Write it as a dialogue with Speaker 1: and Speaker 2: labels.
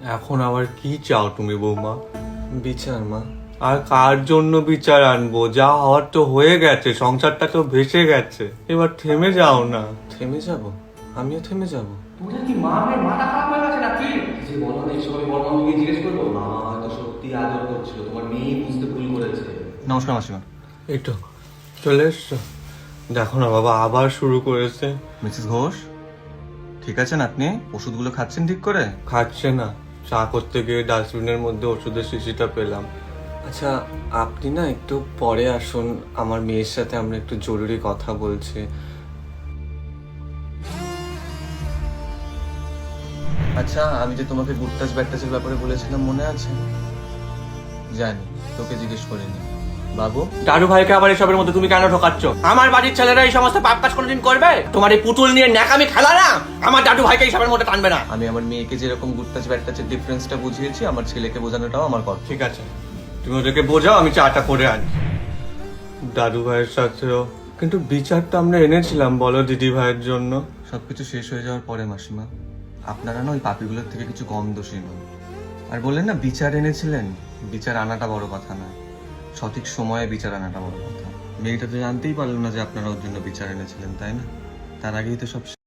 Speaker 1: এখন আবার কি চাও তুমি বৌমা? বিচার মা। আর কার জন্য বিচার আনবো? যা হওয়ার তো হয়ে গেছে, সংসারটা তো ভেসে গেছে, এবার থেমে যাও না। থেমে যাব? আমিও থেমে যাব?
Speaker 2: তোদের কি মাথা খারাপ হয়ে গেছে নাকি? যে বলো না, এইসব আমি বড় মাকে জিজ্ঞেস করবো। মা হয়তো সত্যি আদর করছিল, তোমার মেয়ে বুঝতে ভুল করেছে। নমস্কার মাসিমা।
Speaker 1: এই তো চলে এসছো। দেখো না বাবা, আবার শুরু করেছে।
Speaker 2: মিসেস ঘোষ, ঠিক আছেন আপনি? ওষুধগুলো খাচ্ছেন ঠিক করে?
Speaker 1: খাচ্ছে না। চা করতে গিয়ে ডাস্টবিনের মধ্যে ওষুধের শিশিটা পেলাম। আচ্ছা, আপনি না একটু পরে আসুন, আমার মেয়ের সাথে আমরা একটু জরুরি কথা বলছি।
Speaker 2: আচ্ছা, আমি যে তোমাকে গুডটাচ ব্যাডটাচের ব্যাপারে বলেছিলাম মনে আছে? জানি, তোকে জিজ্ঞেস করিনি। বাবু,
Speaker 3: দাদু ভাইকে আবার এসবের মধ্যে তুমি কেন ঢোকাচ্ছ? আমার বাড়ির ছেলেরা এই সমস্ত পাপ কাজ কোনোদিন করবে? তোমার এই পুতুল নিয়ে ন্যাকামি খেলা না আমার দাদু ভাইকে এইসবের মধ্যে টানবে না।
Speaker 2: আমি আমার মেয়েকে যেরকম গুডটাচ ব্যাডটাচের ডিফারেন্সটা বুঝিয়েছি, আমার ছেলেকে বোঝানোটাও আমার কর্তব্য।
Speaker 1: ঠিক আছে, তুমি ওদেরকে বোঝাও, আমি চাটা করে আনি। দাদু ভাইয়ের সাথেও কিন্তু বিচারটা আমরা এনেছিলাম, বলো দিদি ভাইয়ের জন্য।
Speaker 2: সবকিছু শেষ হয়ে যাওয়ার পরে মাসিমা, আপনারা না ওই পাপিগুলোর থেকে কিছু কম দোষী নন। আর বললেন না বিচার এনেছিলেন, বিচার আনাটা বড় কথা না, সঠিক সময়ে বিচার আনাটা বড় কথা। মেয়েটা তো জানতেই পারলো না যে আপনারা ওর জন্য বিচার এনেছিলেন, তাই না? তার আগেই তো সব